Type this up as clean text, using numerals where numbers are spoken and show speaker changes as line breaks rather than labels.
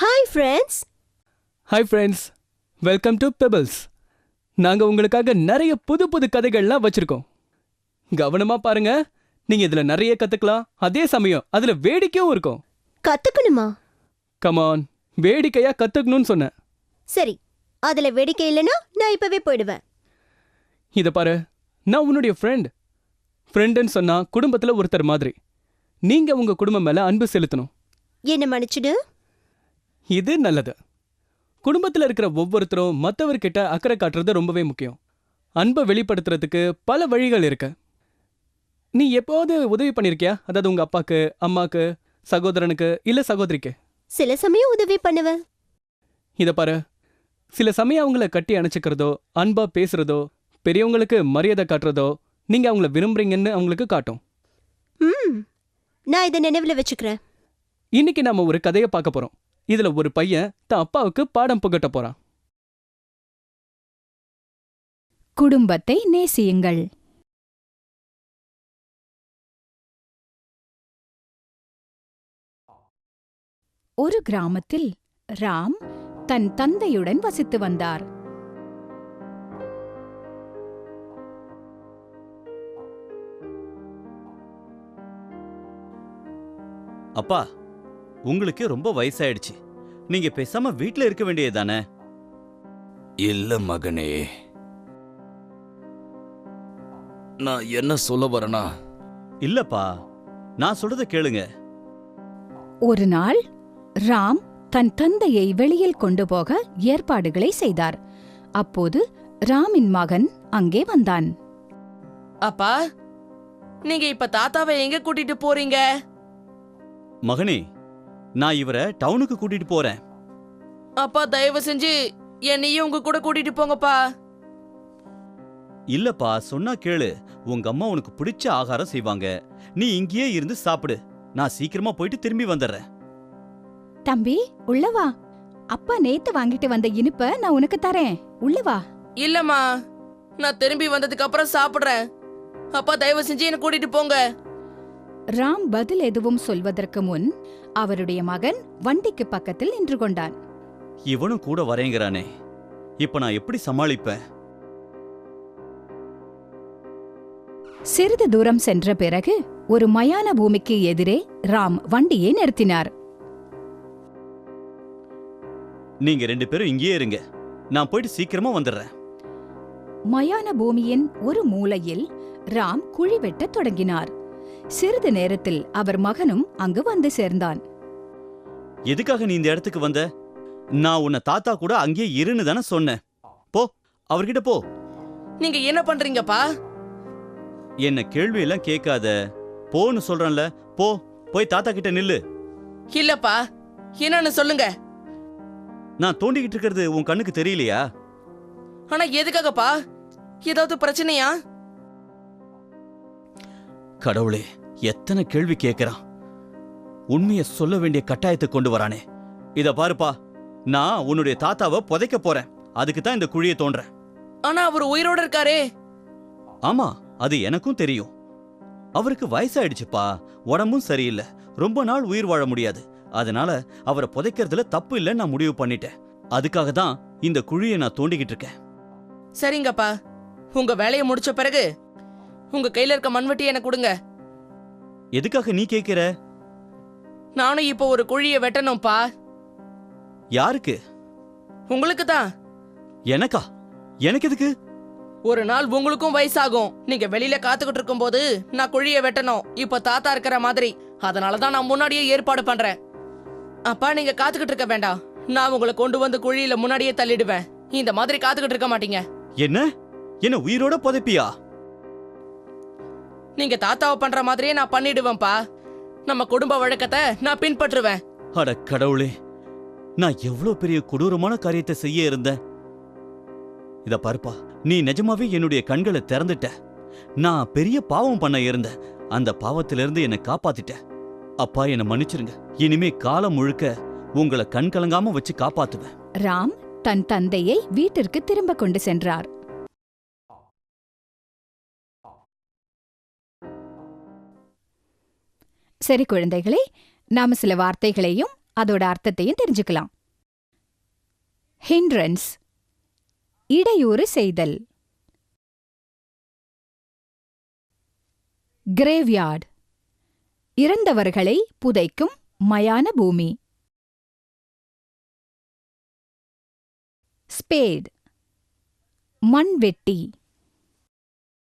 Hi friends.
Hi friends, welcome to Pebbles. நாங்கள் உங்களுக்காக நிறைய புது புது கதைகள்லாம் வச்சிருக்கோம். கவனமா பாருங்க, நீங்க இதுல நிறைய கத்துக்கலாம். அதே சமயம் அதுல வேடிக்கையும் இருக்கும்.
கத்துக்கணுமா?
கமான், வேடிக்கையா கத்துக்கணும்னு சொன்னேன்.
சரி, அதுல வேடிக்கை இல்லைன்னா நான் இப்பவே போயிடுவேன்.
இத பாரு, நான் உன்னுடைய ஃப்ரெண்டுன்னு சொன்னா குடும்பத்துல ஒருத்தர் மாதிரி. நீங்க உங்க குடும்பம் மேல அன்பு செலுத்தணும்.
என்ன மன்னிச்சுடு.
இது நல்லது. குடும்பத்துல இருக்கிற ஒவ்வொருத்தரும் மற்றவர்கிட்ட அக்கறை காட்டுறது ரொம்பவே முக்கியம். அன்பை வெளிப்படுத்துறதுக்கு பல வழிகள் இருக்கு. நீ எப்போது உதவி பண்ணிருக்கியா? அதாவது உங்க அப்பாக்கு, அம்மாக்கு, சகோதரனுக்கு இல்ல சகோதரிக்கு?
சில சமயம் உதவி பண்ணுவேன்.
இத பாரு, சில சமயம் அவங்கள கட்டி அணைச்சிக்கிறதோ, அன்பா பேசுறதோ, பெரியவங்களுக்கு மரியாதை காட்டுறதோ நீங்க அவங்கள விரும்புறீங்கன்னு அவங்களுக்கு காட்டும்.
நான் இதை நினைவுல வச்சுக்கிறேன்.
இன்னைக்கு நாம ஒரு கதையை பார்க்க போறோம். இதுல ஒரு பையன் தன் அப்பாவுக்கு பாடம் புகட்ட போறான்.
குடும்பத்தை நேசியுங்கள். ஒரு கிராமத்தில் ராம் தன் தந்தையுடன் வசித்து வந்தார்.
அப்பா, உங்களுக்கு ரொம்ப வயசாயிடுச்சு. நீங்க பேசாம வீட்ல இருக்க வேண்டியதுதானே?
இல்ல மகனே, நான் என்ன சொல்ல வரேனா?
இல்லப்பா, நான் சொல்றத கேளுங்க.
ஒரு நாள் ராம் தன் தந்தையை வெளியில் கொண்டு போக ஏற்பாடுகளை செய்தார். அப்போது ராமின் மகன் அங்கே வந்தான்.
அப்பா, நீங்க இப்ப தாத்தாவை எங்க கூட்டிட்டு போறீங்க?
மகனே, நான் இவரை டவுனுக்கு கூட்டிட்டு போறேன்.
அப்பா, தயவு செஞ்சு என்னையும் உங்க கூட கூட்டிட்டு போங்கப்பா.
இல்லப்பா, சொன்னா கேளு. உங்க அம்மா உனக்கு பிடிச்ச ஆகாரம் செய்வாங்க. நீ இங்கேயே இருந்து சாப்பிடு. நான் சீக்கிரமா போயிட்டு திரும்பி வந்துடுறேன்.
தம்பி, உள்ளவா. அப்பா நேத்து வாங்கிட்டு வந்த இனிப்ப நான் உனக்கு தரேன். உள்ளவா.
இல்லம்மா, நான் திரும்பி வந்ததுக்கு அப்புறம் சாப்பிடுறேன். அப்பா, தயவு செஞ்சு என்ன கூட்டிட்டு போங்க.
ராம் பதில் எதுவும் சொல்வதற்கு முன் அவருடைய மகன் வண்டிக்கு பக்கத்தில் நின்று கொண்டான்.
இவனும் கூட வரேங்கிறானே, இப்ப நான் எப்படி சமாளிப்பேன்?
சிறிது தூரம் சென்ற பிறகு ஒரு மயான பூமிக்கு எதிரே ராம் வண்டியை நிறுத்தினார்.
நீங்க 2 பேரும் இங்கேயே இருங்க, நான் போயிட்டு சீக்கிரமா வந்துடுறேன்.
மயான பூமியின் ஒரு மூலையில் ராம் குழி வெட்டத் தொடங்கினார். சிறிது நேரத்தில் அவர் மகனும் அங்கு வந்து சேர்ந்தான்.
எதுக்காக நீ இந்த இடத்துக்கு வந்த? நான் உன்னை தாத்தா கூட அங்கேயே இருன்னு தானே சொன்னேன். போ, அவர்கிட்ட போ.
நீங்க என்ன பண்றீங்கப்பா?
என்ன கேள்வி எல்லாம் கேட்காத. போன்னு சொல்றேன்ல, போ. போய் தாத்தா கிட்ட நில்லு.
இல்லப்பா, என்னன்னு சொல்லுங்க.
நான் தோண்டிக்கிட்டு இருக்கிறது உன் கண்ணுக்கு தெரியலையா?
ஆனா எதுக்காகப்பா? ஏதாவது பிரச்சனையா?
கடவுளே, எத்தனை கேள்வி கேட்கிறான். உண்மையை சொல்ல வேண்டிய கட்டாயத்தை கொண்டு வரானே. இத பாருப்பா, நான் உன்னுடைய தாத்தாவை புதைக்க போறேன். அதுக்கு தான் இந்த குழியை தோன்றேன்.
ஆனா அவர் உயிரோட இருக்காரே.
ஆமா, அது எனக்கும் தெரியும். அவருக்கு வயசாயிடுச்சுப்பா, உடம்பும் சரியில்லை, ரொம்ப நாள் உயிர் வாழ முடியாது. அதனால அவரை புதைக்கிறதுல தப்பு இல்லைன்னு நான் முடிவு பண்ணிட்டேன். அதுக்காக தான் இந்த குழியை நான் தோண்டிக்கிட்டு இருக்கேன்.
சரிங்கப்பா, உங்க வேலையை முடிச்ச பிறகு உங்க கையில இருக்க மண்வெட்டியை எனக்கு கொடுங்க.
எதுக்காக நீ கேட்கிற?
நானும் இப்போ ஒரு குழியை வெட்டணும்பா.
யாருக்கு?
உங்களுக்கு தான்.
எனக்கா? எனக்கு எதுக்கு?
ஒரு நாள் உங்களுக்கும் வயசாகும். நீங்க வெளியில காத்துக்கிட்டு இருக்கும் போது நான் குழியை வெட்டணும். இப்ப தாத்தா இருக்கிற மாதிரி. அதனாலதான் நான் முன்னாடியே ஏற்பாடு பண்றேன். அப்பா, நீங்க காத்துக்கிட்டு இருக்க வேண்டாம். நான் உங்களை கொண்டு வந்து குழியில முன்னாடியே தள்ளிடுவேன். இந்த மாதிரி காத்துக்கிட்டு இருக்க மாட்டீங்க.
என்ன என்ன உயிரோட புதைப்பியா?
நீங்க தாத்தாவை பண்ற மாதிரியே நான் பண்ணிடுவேன்பா. நம்ம குடும்ப வழக்கத்தை நான் பின்பற்றுவேன்.
அட கடவுளே, நான் எவ்வளவு பெரிய கொடூரமான காரியத்தை செய்ய இருந்தேன். இத பாருப்பா, நீ நிஜமாவே என்னுடைய கண்களை திறந்துட்ட. நான் பெரிய பாவம் பண்ண இருந்தேன். அந்த பாவத்திலிருந்து என்னை காப்பாத்திட்ட. அப்பா, என்னை மன்னிச்சிருங்க. இனிமே காலம் முழுக்க உங்களை கண் கலங்காம வச்சு காப்பாத்துவேன்.
ராம் தன் தந்தையை வீட்டிற்கு திரும்ப கொண்டு சென்றார். சரி குழந்தைகளே, நாம சில வார்த்தைகளையும் அதோட அர்த்தத்தையும் தெரிஞ்சுக்கலாம். ஹிண்ட்ரன்ஸ் இடையூறு செய்தல். கிரேவ்யார்ட் இறந்தவர்களை புதைக்கும் மயான பூமி. ஸ்பேட் மண்வெட்டி.